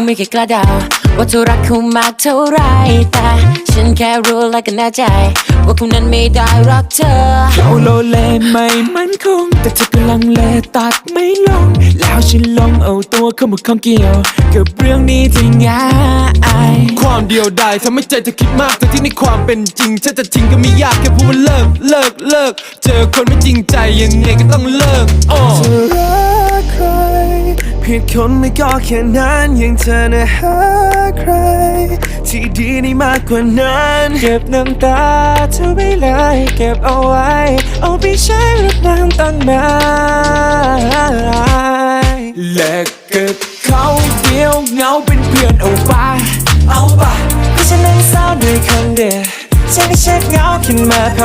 ไม่เคยกล้าเดาว่าเธอรักเขามากเท่าไรแต่ฉันแค่รู้และก็แน่ใจว่าคนนั้นไม่ได้รักเธอเขาโลเลไม่มั่นคงแต่เธอกำลังเลตัดไม่ลงแล้วฉันลองเอาตัวเข้ามาข้องเกี่ยวกับเรื่องนี้ที่ง่ายความเดียวดายทำให้ใจเธอคิดมากแต่ที่ในความเป็นจริงฉันจะทิ้งก็ไม่ยากแค่พูดว่าเลิกเจอคนไม่จริงใจยังไงก็ต้องเลิกเธอรักใครผิดคนไม่ก็แค่นั้นยังเธอนะหาใครที่ดีได้มากกว่านั้นเก็บน้ำตาเธอไว้เลยเก็บเอาไว้เอาไปใช้รดน้ำตั้งนานเลิกกับเขาเดียวเงาเป็นเพื่อนเอาไปเพราะฉันนั้นเศร้าด้วยคนเดียวฉันก็เช็คเงาขึ้นมา